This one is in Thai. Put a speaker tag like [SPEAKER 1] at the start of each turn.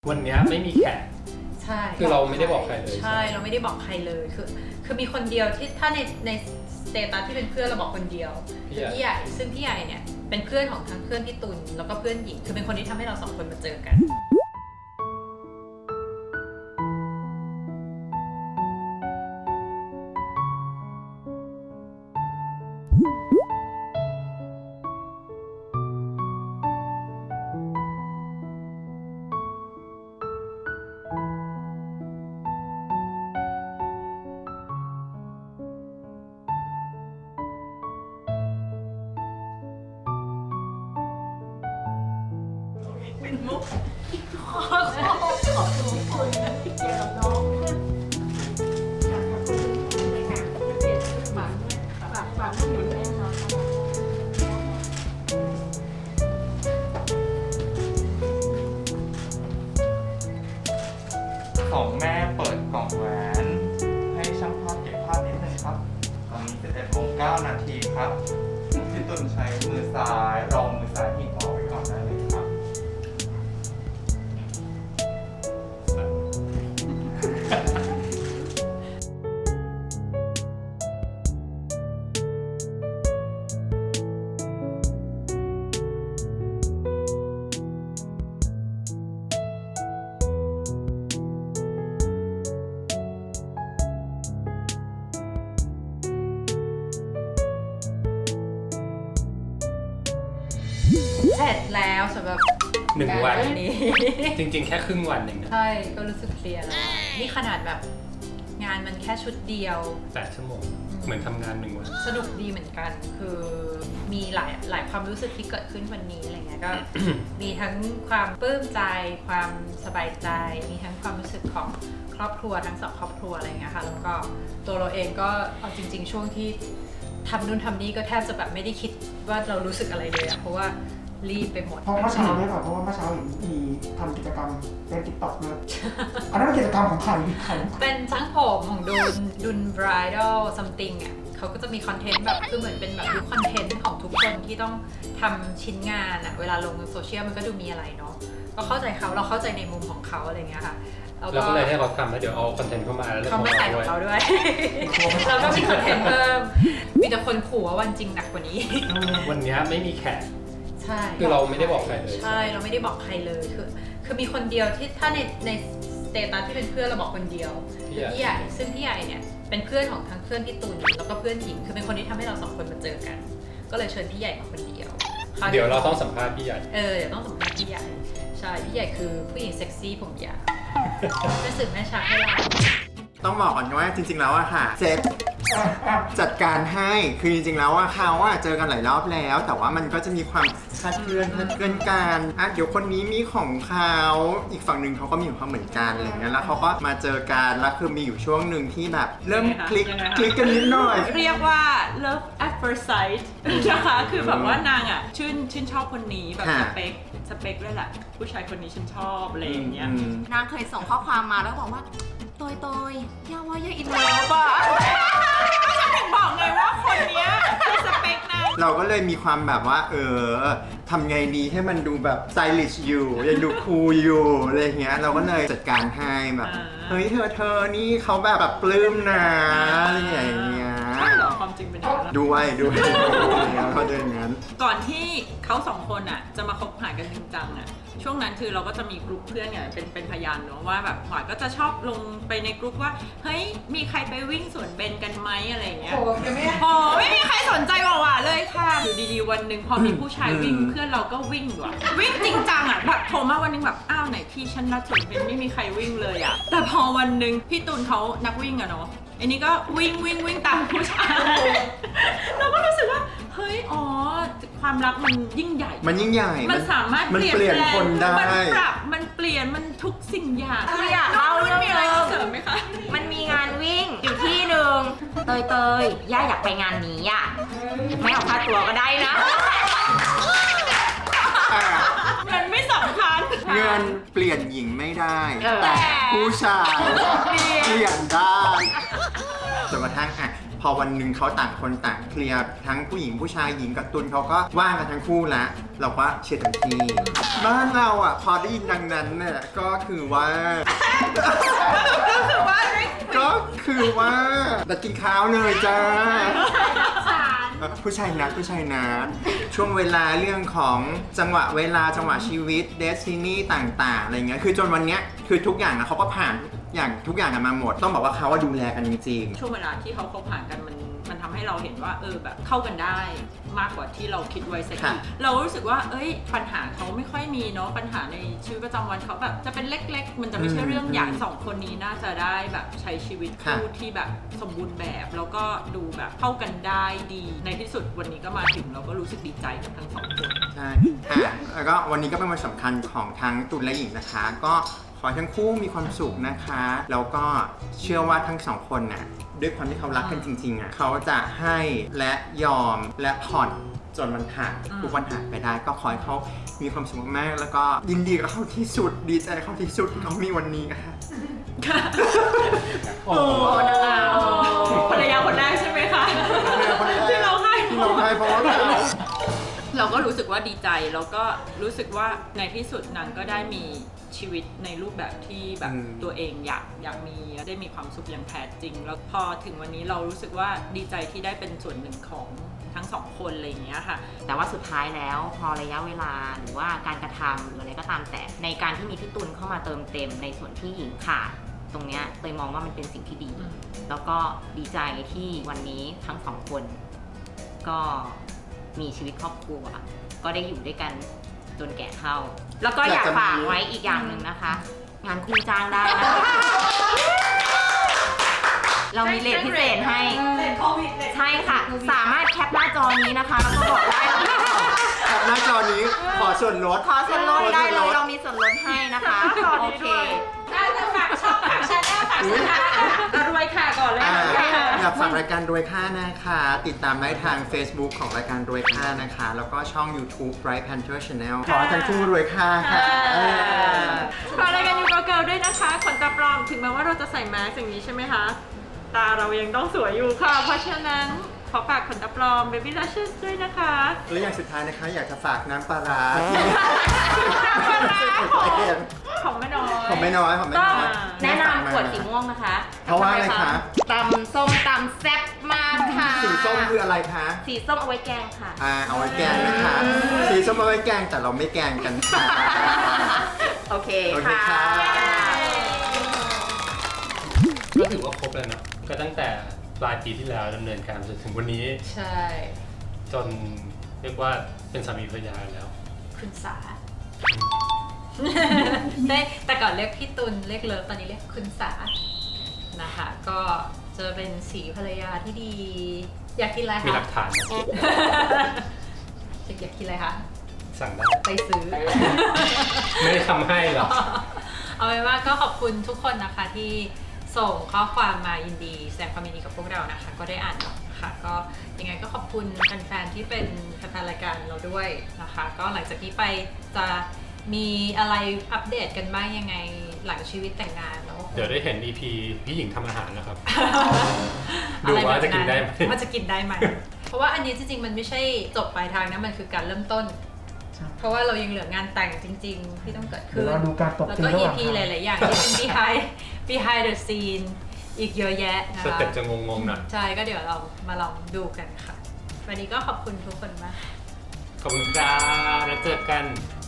[SPEAKER 1] วันนี้ไม่มีแขก
[SPEAKER 2] ใช่
[SPEAKER 1] คือเราไม่ได้บอกใครเลย
[SPEAKER 2] ใช่เราไม่ได้บอกใครเลยคือมีคนเดียวที่ถ้าในสเตตัสที่เป็นเพื่อนเราบอกคนเดียวคือพี่ใหญ่ซึ่งพี่ใหญ่เนี่ยเป็นเพื่อนของทั้งเพื่อนพี่ตุลแล้วก็เพื่อนหญิงคือเป็นคนที่ทำให้เราสองคนมาเจอกันเป็นมุกขอบคุณคนที่เกี่ยวกับน้องฝากหนูด้วย
[SPEAKER 3] ของแม่เปิดกล่องแหวนให้ช่างภาพเก็บภาพนิดนึงครับตอนนี้11:09 นาทีครับพี่ตุลใช้มือซ้ายรองมือซ้ายหิ้งออกไว้ก่อนได้เลยครับ
[SPEAKER 2] เสร็จแล้วสำหรับ
[SPEAKER 1] 1 วัน
[SPEAKER 2] นี้
[SPEAKER 1] จริงๆแค่ครึ่งวันเองนะ
[SPEAKER 2] ใช่ก็รู้สึกเพลียแล้วนี่ขนาดแบบงานมันแค่ชุดเดียว
[SPEAKER 1] 8 ชั่วโมงเหมือนทำงาน1 วัน
[SPEAKER 2] สนุกดีเหมือนกันคือมีหลายความรู้สึกที่เกิดขึ้นวันนี้อะไรเงี้ยก็ มีทั้งความปลื้มใจความสบายใจมีทั้งความรู้สึกของครอบครัวทั้ง2ครอบครัวอะไรเงี้ยค่ะแล้วก็ตัวเราเองก็เอาจริงๆช่วงที่ทำนู่นทำนี่ก็แทบจะแบบไม่ได้คิดว่าเรารู้สึกอะไรเลยอะเพราะว่ารีบไปหมด
[SPEAKER 4] เพราะเมื่อเช้าเนี่ยเพราะว่าเมื่อเช้าเห็นมีทำกิจกรรมในติ๊กต็อกด้วยอันนั้นเป็นกิจกรรมของใคร
[SPEAKER 2] เป็นช่างผมของดุนบรายดัลซัมติงอ่ะเขาก็จะมีคอนเทนต์แบบคือเหมือนเป็นแบบยุคคอนเทนต์ของทุกคนที่ต้องทำชิ้นงานอ่ะเวลาลงโซเชียลมันก็ดูมีอะไรเนาะก็เข้าใจเขาเราเข้าใจในมุมของเขาอะไรเงี้ยค่ะ
[SPEAKER 1] เราก็เลยให้เขาทำแล้วเดี๋ยวเอาคอนเทนต์เข้ามาแล้ว
[SPEAKER 2] เขาไม่ใส่ของเราด้วยเราก็มีคอนเทนต์เพิ่มมีแต่คนขู่ว่าวันจริงหนักกว่านี้
[SPEAKER 1] วันนี้ไม่มีแขก
[SPEAKER 2] ใช่
[SPEAKER 1] คือเราไม่ได้บอกใครเลย
[SPEAKER 2] ใช่เราไม่ได้บอกใครเลยคือมีคนเดียวที่ถ้าในสเตตัสที่เป็นเพื่อนเราบอกคนเดียวคือพี่ใหญ่ซึ่งพี่ใหญ่เนี่ยเป็นเพื่อนของทั้งเพื่อนพี่ตุลแล้วก็เพื่อนหญิงคือเป็นคนที่ทำให้เราสองคนมาเจอกันก็เลยเชิญพี่ใหญ่มาคนเดียว
[SPEAKER 1] เดี๋ยวเราต้องสัมภาษณ์พี่ใหญ่
[SPEAKER 2] เดี๋ยวต้องสัมภาษณ์พี่ใหญ่ใช่พี่ใหญ่คือผู้หญิงเซ็กซี่ผมยาวเป็นสื่อแม่ชักให้เรา
[SPEAKER 5] ต้องบอกก่อนว่าจริงๆแล้วอะค่ะเซตจัดการให้คือจริงๆแล้วว่าเขาอะเจอกันหลายรอบแล้วแต่ว่ามันก็จะมีความคลาดเคลื่อนกันเดี๋ยวคนนี้มีของเขาอีกฝั่งหนึ่งเขาก็มีของเขาเหมือนกันอะไรเงี้ยแล้วเขาก็มาเจอกันแล้วคือมีอยู่ช่วงหนึ่งที่แบบเริ่มคลิกกันนิดหน่อย
[SPEAKER 6] เรียกว่า love at first sight นะคะคือแบบว่านางอะชื่นชอบคนนี้แบบสเปคเลยแหละผู้ชายคนนี้ฉันชอบอะไรอย่างเงี้ย
[SPEAKER 7] นางเคยส่งข้อความมาแล้วบอกว่าโตยย่าว่าย่าอินเลิฟอ่ะ
[SPEAKER 6] ฉันถึงบอกไงว่าคนเนี้ยคือสเปคนาง
[SPEAKER 5] เราก็เลยมีความแบบว่าทำไงดีให้มันดูแบบสไตลิชอยู่ยังดูคูลอยู่อะไรเงี้ยเราก็เลยจัดการให้แบบเฮ้ยเธอนี่เขาแบบปลื้มนะอะไรอย่างเงี้ย
[SPEAKER 6] ใช่เหรอความจริงเป็นอย่างนั้น
[SPEAKER 5] ด้วยเขาจะอย่างนั้น
[SPEAKER 6] ก่อนที่เขาสองคนอ่ะจะมาคบหากันจริงจังอ่ะช่วงนั้นคือเราก็จะมีกลุ่มเพื่อนเนี่ยเป็นพยานเนาะว่าแบบหวายก็จะชอบลงไปในกลุ่มว่าเฮ้ยมีใครไปวิ่งสวนเบนกันไหมอะไรเงี้ยไม่มีใครสนใจหวาเลยค่ะอยู่ดีๆวันหนึ่งพอมีผู้ชายวิ่งเพื่อนเราก็วิ่งว่ะวิ่งจริงจังอ่ะแบบโทรมาวันนึงแบบอ้าวไหนที่ฉันนัดสวนเบนไม่มีใครวิ่งเลยอ่ะแต่พอวันนึงพี่ตูนเขานักวิ่งอะเนาะอันนี้ก็วิ่งตามผู้ชายเราก็รู้สึกว่าเฮ้ยความรักมันยิ่งใหญ่มันสามารถเปลี่ยน
[SPEAKER 5] คนได้
[SPEAKER 6] มันปรับมันเปลี่ยนมันทุกสิ่งอย่าง
[SPEAKER 7] อยากเล่าเรื่อง
[SPEAKER 6] มีอะไรเสริมไหมคะ
[SPEAKER 7] มันมีงานวิ่งอยู่ที่หนึ่งเตยย่าอยากไปงานนี้อ่ะไม่เอาค่าตัวก็ได้นะ
[SPEAKER 6] เงินไม่สำคัญ
[SPEAKER 5] เงินเปลี่ยนหญิงไม่ได้แต่ผู้ชายเปลี่ยนได้จนกระทั่งพอวันหนึ่งเขาต่างคนต่างเคลียร์ทั้งผู้หญิงผู้ชายหญิงกับตุลเขาก็ว่างกันทั้งคู่แล้วเราก็เชียร์เต็มที่บ้านเราอ่ะพอได้ยินดังนั้นเนี่ยก็คือว่า ก็คือว่าจะกินข้าวเลยจ้าผู้ชายนัดช่วงเวลาเรื่องของจังหวะเวลาจังหวะชีวิตเดสตินีต่างๆอะไรเงี้ยคือจนวันเนี้ยคือทุกอย่างนะเขาก็ผ่านอย่างทุกอย่างกันมาหมดต้องบอกว่าเขาว่าดูแลกันจริง
[SPEAKER 6] ช่วงเวลาที่เขาคบหากันมันทำให้เราเห็นว่าแบบเข้ากันได้มากกว่าที่เราคิดไว้สักทีเรารู้สึกว่าปัญหาเขาไม่ค่อยมีเนาะปัญหาในชีวิตประจำวันเขาแบบจะเป็นเล็กๆมันจะไม่ใช่เรื่องใหญ่สองคนนี้น่าจะได้แบบใช้ชีวิตคู่ที่แบบสมบูรณ์แบบแล้วก็ดูแบบเข้ากันได้ดีในที่สุดวันนี้ก็มาถึงเราก็รู้สึกดีใจกับทั้งสองคน
[SPEAKER 5] ใช่แล้วก็วันนี้ก็เป็นวันสำคัญของทั้งตุลและหญิงนะคะก็ขอให้ทั้งคู่มีความสุขนะคะแล้วก็เชื่อว่าทั้งสองคนน่ะด้วยความที่เขารักกันจริงๆอ่ะเขาจะให้และยอมและผ่อนจนมันผ่านทุกวันผ่านไปได้ก็ขอให้เขามีความสุขมากๆแล้วก็ยินดีกับเขาที่สุดดีใจกับเขาที่สุดที่เขามีวันนี้ค่ะ
[SPEAKER 1] โอ้โห
[SPEAKER 6] ภรรยาคนแรกใช่ไหมคะที่เราให้
[SPEAKER 5] เพราะว่าเขา
[SPEAKER 6] เราก็รู้สึกว่าดีใจแล้วก็รู้สึกว่าในที่สุดนางก็ได้มีชีวิตในรูปแบบที่แบบตัวเองอยากมีได้มีความสุขอย่างแท้จริงแล้วพอถึงวันนี้เรารู้สึกว่าดีใจที่ได้เป็นส่วนหนึ่งของทั้งสองคนอะไรอย่างเงี้ยค่ะ
[SPEAKER 7] แต่ว่าสุดท้ายแล้วพอระยะเวลาหรือว่าการกระทำหรืออะไรก็ตามแต่ในการที่มีพี่ตุลเข้ามาเติมเต็มในส่วนที่หญิงขาดตรงเนี้ยเตยมองว่ามันเป็นสิ่งที่ดี แล้วก็ดีใจที่วันนี้ทั้งสองคนก็มีชีวิตครอบครัวก็ได้อยู่ด้วยกันจนแก่เฒ่าแล้วก็อยากฝากไว้อีกอย่างหนึ่งนะคะ งานคู่จ้างได้นะคะ เรามีเลทพิเศษให้ใช่ค่ะ สามารถแคปหน้าจอนี้นะคะแล้วก็บอกได้
[SPEAKER 5] แคปหน้าจอนี้ขอส่วนลด
[SPEAKER 7] ขอส่วนลดได้เลยเรามีส่วนลดให้นะคะโอเค
[SPEAKER 2] จะฝากช่องฝากชาแนลฝากสินค้าร
[SPEAKER 6] วยค่ะก่อนเลย
[SPEAKER 5] อยากฝากรายการรวยค่านะคะ ติดตามได้ทาง Facebook ของรายการรวยค่านะคะ แล้วก็ช่อง YouTube Bright Panther Channel ขอให้ทั้งคู่รวยค่าค่ะ
[SPEAKER 6] ฝากรายการยูโกเกิลด้วยนะคะขนตาปลอมถึงแม้ว่าเราจะใส่แมสอย่างนี้ใช่ไหมคะตาเรายังต้องสวยอยู่ค่ะเพราะฉะนั้นขอฝากขนตาปลอม Baby Lashes ด้วยนะคะ
[SPEAKER 5] และอย่างสุดท้ายนะคะอยากจะฝากน้ำปลาร้าที่
[SPEAKER 6] ของแม่น้อย
[SPEAKER 5] ของไม่น้อย
[SPEAKER 7] ก็แนะนำขวดสีม่วงนะคะ
[SPEAKER 5] เพราะว่าอะไรคะ
[SPEAKER 7] ตำส้มตำแซ่บมากค่ะ
[SPEAKER 5] สีส้มคืออะไรคะ
[SPEAKER 7] สีส้มเอาไว้แกงค่ะ
[SPEAKER 5] เอาไว้แกงนะคะ สีส้มเอาไว้แกงแต่เราไม่แกงกันค่ะ
[SPEAKER 7] โอเค
[SPEAKER 5] โอเค
[SPEAKER 7] ค่ะ
[SPEAKER 5] ค่ะ
[SPEAKER 1] ก็ถือว่าครบแล้วเนาะก็ตั้งแต่ปลายปีที่แล้วดำเนินการจนถึงวันนี้
[SPEAKER 2] ใช่
[SPEAKER 1] จนเรียกว่าเป็นสามีภรรยาแล้ว
[SPEAKER 2] คุณสา ได้แต่ก่อนเรียกพี่ตุลเรียกเลิฟตอนนี้เรียกคุณสานะคะ ก็จะเป็นสีภรรยาที่ดี อยากกินอะไร
[SPEAKER 1] มีห
[SPEAKER 2] คะ
[SPEAKER 1] ลักฐาน
[SPEAKER 2] อยากกินอะไรคะ
[SPEAKER 1] สั่งได้
[SPEAKER 2] ไปซื้อ
[SPEAKER 1] ไม่ได้ทำให้หรอก
[SPEAKER 2] เอาเป็นว่าก็ขอบคุณทุกคนนะคะที่ส่งข้อความมายินดีแสดงความยินดีกับพวกเรานะคะ ก็ได้อ่านนะคะก็ยังไงก็ขอบคุณแฟนๆที่เป็นแฟนๆรายการเราด้วยนะคะ ก็หลังจากนี้ไปจะมีอะไรอัปเดตกันบ้างยังไงหลังชีวิตแต่งงานแล้ว
[SPEAKER 1] เดี๋ยวได้เห็น EP พี่หญิงทำอาหารนะครับ
[SPEAKER 2] อ
[SPEAKER 1] ดู
[SPEAKER 2] ไร
[SPEAKER 1] ว่า
[SPEAKER 2] แบบ
[SPEAKER 1] จะกินได้ไหม
[SPEAKER 2] ว่าจะกินได้ไหม เพราะว่าอันนี้จริงๆมันไม่ใช่จบปลายทางนะมันคือการเริ่มต้น เพราะว่าเรายังเหลืองานแต่งจริง ๆ ที่ต้องเกิด
[SPEAKER 4] เดี๋
[SPEAKER 2] ขึ้
[SPEAKER 4] ยวนเราดูการตบ
[SPEAKER 2] แล้ว
[SPEAKER 4] ตี
[SPEAKER 2] ก็
[SPEAKER 4] ระหว่าง
[SPEAKER 2] EP หลายๆอย่างที่เป็น behind the scene อีกเยอะแยะนะ
[SPEAKER 1] ส
[SPEAKER 2] คะ
[SPEAKER 1] เต็ปจะงงๆหน่อย
[SPEAKER 2] ใช่ก็เดี๋ยวเรามาลองดูกันค่ะ วันนี้ก็ขอบคุณทุกคนมาก
[SPEAKER 1] ขอบคุณครับแล้วเจอกัน